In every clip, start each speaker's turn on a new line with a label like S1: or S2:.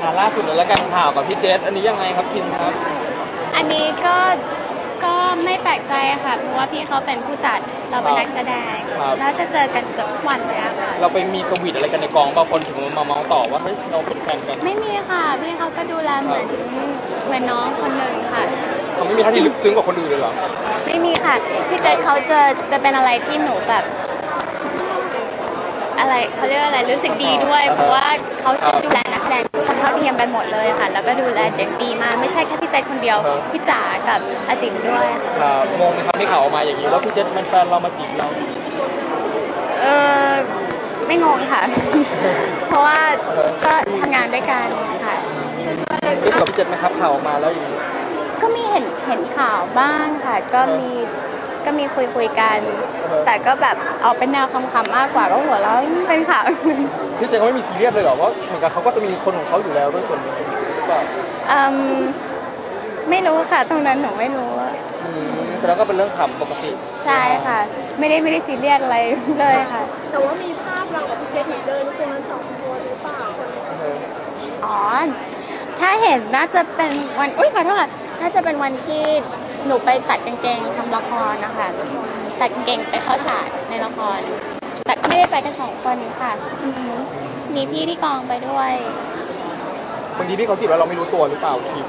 S1: ล่าสุดเลยแล้วกันข่าวกับพี่เจษอันนี้ยังไงครับคิมครับ
S2: อันนี้ก็ไม่แปลกใจค่ะเพราะว่าพี่เขาเป็นผู้จัดเราเป็นนักแสดงแล้วจะเจอกันเกือบทุกวันเลยค่ะ
S1: เราไปมีสวีทอะไรกันในกองบางคนถึงมาเมาต่อว่าเฮ้ยเราเป็นแฟนกัน
S2: ไม่มีค่ะพี่เขาก็ดูแลเหมือนน้องคนหนึ่งค่ะ
S1: เขาไม่มีท่าทีลึกซึ้งกว่าคนอื่นเลยเหรอ
S2: ไม่มีค่ะพี่เจษเขาจะเป็นอะไรที่หนูแบบอะไรเขาเรียกว่าอะไรรู้สึกดีด้วยเพราะว่าเขาจะดูแลนักแสดงทุกคนเท่าเทียมกันหมดเลยค่ะแล้วก็ดูแลเด็กดีมากไม่ใช่แค่พี่เจษคนเดียวพี่จ๋ากับอาจิ๋มด้วย
S1: งงไหมครับที่ข่าวออกมาอย่างนี้ว่าพี่เจษเป็นแฟนเรามาจีบเรา
S2: ไม่งงค่ะเพราะว่าก็ทำงานด้วยกันค่ะ
S1: ได้กับพี่เจษไหมครับข่าวออกมาแล้วอย่างนี้
S2: ก็มีเห็นข่าวบ้างค่ะก็มีคุยกันแต่ก็แบบเอาเป็นแนวคำๆมากกว่าก็หัวเราะเป็นข่าว
S1: พี่เจษเขาไม่มีซีเรียสเลยเหรอว่าเหมือนกับเขาก็จะมีคนของเขาอยู่แล้วด้วยส่วนนึงแบบ
S2: ไม่รู้ค่ะตรงนั้นหนูไม่รู้
S1: แสดงก็เป็นเรื่องขำปกติ
S2: ใช่ค่ะไม่ได้ซีเรียสอะไรเลยค่ะ
S3: แต่ว่ามีภาพเรากับพี่เจษเดินตรงนั้น2 คนหรือเปล่า
S2: อ๋อถ้าเห็นน่าจะเป็นวันขอโทษน่าจะเป็นวันที่หนูไปตัดกางเกงทำละครนะคะตัดกางเกงไปเข้าฉากในละครแต่ก็ไม่ได้ไปกัน2 คนค่ะมีพี่ที่กองไปด้วย
S1: บางทีพี่เขาจีบแล้วเราไม่รู้ตัวหรือเปล่าคิม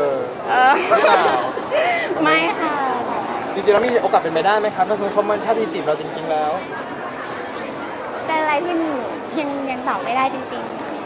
S2: ไม่ค่ะ
S1: จริงๆแล้วมีโอกาสเป็นไปได้ไหมครับถ้าสมมติเขาถ้าที่จีบเราจริงๆแล้ว
S2: เป็นอะไรที่ยังตอบไม่ได้จริง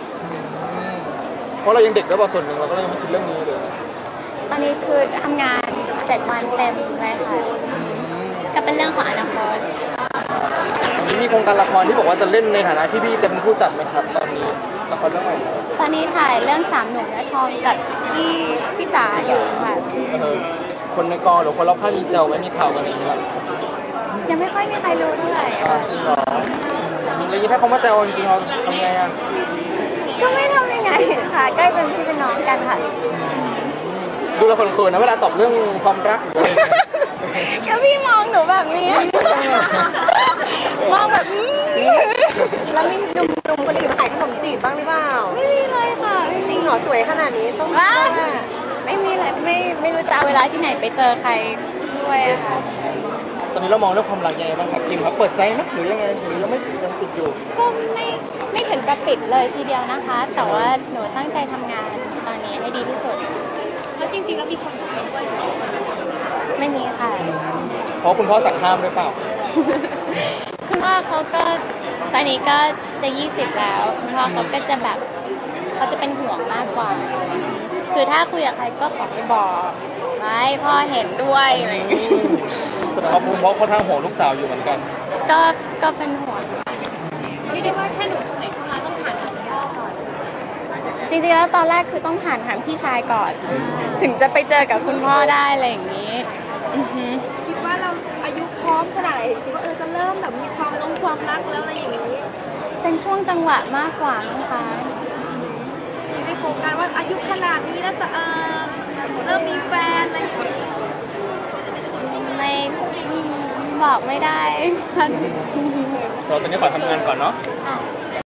S1: ๆเพราะเรายังเด็กด้วยส่วนหนึ่งเราก็ยังไม่คิดเรื่องนี้เลย
S2: ตอนนี้คือทำงาน7 วันเต็มเลยค่ะก็เป็นเรื่องของอนาคต
S1: มีโครงการละครที่บอกว่าจะเล่นในฐานะที่พี่จะเป็นผู้จัดไหมครับตอนนี้ละครเรื่องอะไร
S2: ตอนนี้ถ่ายเรื่อง3 หนุ่มและทองกับพี่จ๋าอยู่ค่ะ
S1: คนในกองหรือคนรอบข้างมีเซลไหมมีข่าวกันอะไรอย่างเงี้ย
S2: ยังไม่ค่อยมีใครรู้เท่าไหร่
S1: จริงเหรอแล้วยิ่งให้เขามาเซลจริงๆเราทำไง
S2: ก็ไม่ทำยังไงค่ะใกล้เป็นพี่เป็นน้องกันค่ะ
S1: ดูแลคนเขินนะเวลาตอบเรื่องความรัก
S2: ก็พี่มองหนูแบบนี้มองแบบ
S3: แล้วมีหนุ่มคนอื่นขายขนมจีบบ้างหรือเปล่า
S2: ไม่มีเลยค่ะ
S3: จริงเหรอสวยขนาดนี้ต้อง
S2: ไม่มีเลยไม่รู้จะเอาเวลาที่ไหนไปเจอใครด้วยค่ะ
S1: ตอนนี้เรามองเรื่องความรักยังไงบ้างครับคิมครับเปิดใจไหมหรือยังไงหรือยังปิดอยู่
S2: ก็ไม่ถึงกับปิดเลยทีเดียวนะคะแต่ว่าหนูตั้งใจทำงานตอนนี้ให้ดีที่สุด
S3: แล้วจริงๆแล้วมีคน
S2: ไม่มีค่ะ
S1: เพราะคุณพ่อสั่งห้ามหรือเปล่า
S2: คุณพ่อเขาก็ตอนนี้ก็จะ20แล้วคุณพ่อเขาก็จะแบบเขาจะเป็นห่วงมากกว่าคือถ้าคุยกับใครก็ขอไปบอกไว้พ่อเห็นด้วยอะไรอย่างเงี้ย
S1: แสดงว่าคุณพ่อค่อนข้างห่วงลูกสาวอยู่เหมือนกัน
S2: ก็เป็นห่วง
S3: ไม่ได้ว่าแค่หนูคนไหนเข้ามาต้องผ่านทางพ่อก่อน
S2: จริงๆแล้วตอนแรกคือต้องผ่านทางพี่ชายก่อนถึงจะไปเจอกับคุณพ่อได้อะไรอย่างนี้
S3: คิดว่าเราอายุพร้อมขนาดไหนคิดว่าจะเริ่มแบบมีความรักแล้วอะไรอย่างนี้
S2: เป็นช่วงจังหวะมากกว่านะคะ
S3: ในโครงการว่าอายุขนาดนี้แล้วจะเริ่มมีแฟนอะไรอย่างนี้
S2: ไม่บอกไม่ได้
S1: ตอนนี้ขอทำงานก่อนเนาะ